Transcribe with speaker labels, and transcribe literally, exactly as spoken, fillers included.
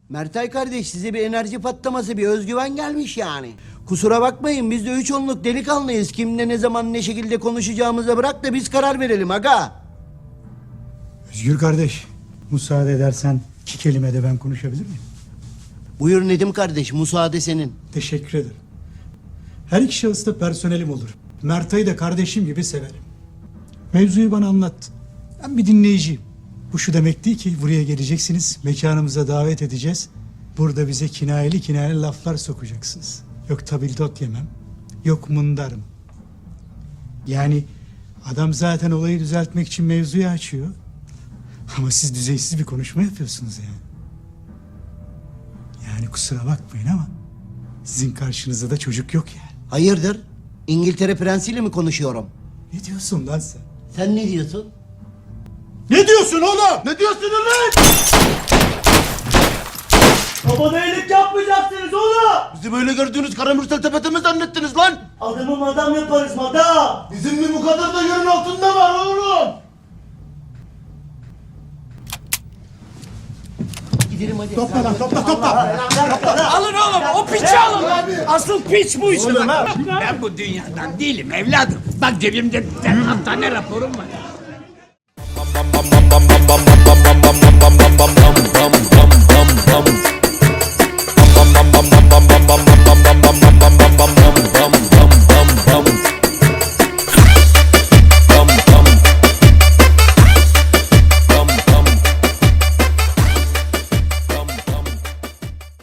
Speaker 1: Mertay kardeş, size bir enerji patlaması, bir özgüven gelmiş yani. Kusura bakmayın, biz de üç onluk delikanlıyız. Kimle ne zaman ne şekilde konuşacağımıza bırak da biz karar verelim aga.
Speaker 2: Özgür kardeş, müsaade edersen iki kelime de ben konuşabilir miyim?
Speaker 1: Buyur Nedim kardeş, müsaade senin.
Speaker 2: Teşekkür ederim. Her iki şahıs da personelim olur. Mertay'ı da kardeşim gibi severim. Mevzuyu bana anlat. Ben bir dinleyiciyim. Bu şu demek değil ki buraya geleceksiniz, mekanımıza davet edeceğiz. Burada bize kinayeli kinayeli laflar sokacaksınız. Yok tabildot yemem, yok mundarım. Yani adam zaten olayı düzeltmek için mevzuyu açıyor. Ama siz düzeysiz bir konuşma yapıyorsunuz yani. Yani kusura bakmayın ama sizin karşınızda da çocuk yok yani.
Speaker 1: Hayırdır? İngiltere prensiyle mi konuşuyorum?
Speaker 2: Ne diyorsun lan sen?
Speaker 1: Sen ne diyorsun?
Speaker 2: Ne diyorsun oğlum?
Speaker 1: Ne diyorsun lan? Babana iyilik yapmayacaksınız oğlum. Bizi böyle gördüğünüz karamürsel tepete mi zannettiniz lan? Adamı madam yaparız madam. Bizim bir bu kadar da yerin altında var oğlum. Gidelim hadi.
Speaker 2: Topla lan topla topla.
Speaker 3: Alın oğlum, o piçi alın lan. Asıl piç bu işte. Ben bu dünyadan değilim evladım. Bak cebimde dört tane raporum var.
Speaker 4: bum bum bum bum bum bum bum bum bum bum bum bum bum bum